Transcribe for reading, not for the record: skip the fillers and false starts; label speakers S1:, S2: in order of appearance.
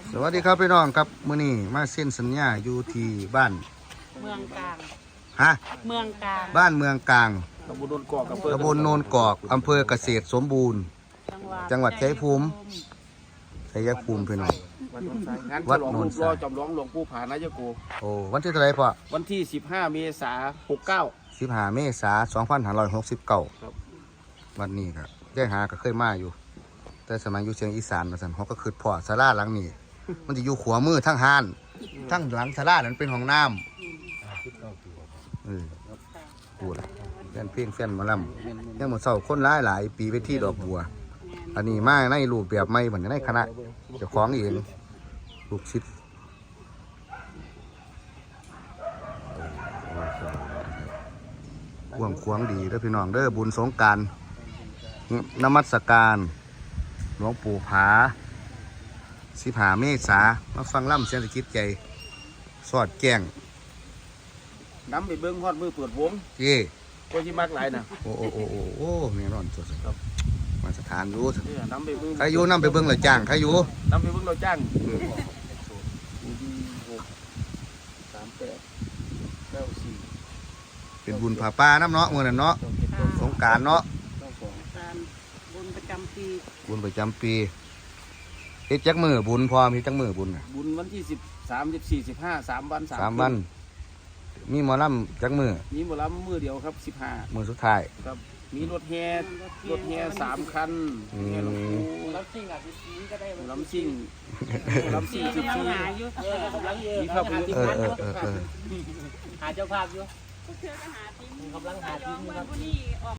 S1: สวัสดีครับพี่น้องครับมื้อนี้มาเซ็นสัญญาอยู่ที่บ้าน
S2: เมืองกลาง
S1: ฮะ
S2: เมืองกลาง
S1: บ้านเมืองกลาง
S3: ตำบลโนนกอก
S1: ตำบลโนนกอกอำเภอเกษตรสมบูรณ์จังหวัดชัยภูมิพี่น้อง
S3: งานฉลองรูปหล่อจำลองหลวงปู่ผานายโก
S1: โอ้วันที่เท่าไหร่พ่อ
S3: วันที่15 เมษายน
S1: 15 เมษายน 2569
S3: ครับ
S1: วันนี้ครับได้หาก็เคยมาอยู่ แต่สมัยอยู่เชียงอีสานมาสั่นเขาก็คือพ่อศาลาหลังนี้มันจะอยู่ขวามือทั้งห้านทั้งหลังศาลานั้นเป็นห้องน้ำพูดแฟนเพลงแฟนหมอลำยังหมดเศร้าคนหลายปีไปที่ดอกบัวอันนี้มาในรูปแบบไม่เหมือนในคณะเจ้าของเองลูกศิษย์ควงดีเด้อพี่น้องเด้อบุญสงกรานต์นมัสการหลวงปู่ผา15 เมษายนมาฟังล่ำเสียงสะกิดใจสอดแจ้ง
S3: น้ำไปเบิ้งฮอดมือเปิดวง
S1: เย่
S3: ก็ที่มากหลายนะ
S1: โอ้แม่ร้อนสุดครับมาสถานรู้
S3: น้ำไปเบิ้ง
S1: ใครอยู่น้ำไปเบิ้งเลยจ้างใครอยู่
S3: น้ำไปเบิ้งเราจ้าง
S1: เป็นบุญผาป่าน้ำเนาะเมื่อนั้นเนาะสงกรานต์เนาะ
S2: บุญประจำปี
S1: บุญประจำปีเฮ็ดจักมือบุญพอมีจักมือบุญ
S3: บุญวันที่13 14 15 3 วัน
S1: 3 วันมีหมอลำจักมือ
S3: มีหมอลำมือเดียวครับ15
S1: มือสุดท้าย
S3: ครับมีรถแห่3 คันแห่หลวงปู่ลำซิ่งก็ได้ลำซิ่ง14มีภาพ
S2: หาเจ้าภาพอยู่
S4: กำลังหาทีมครับ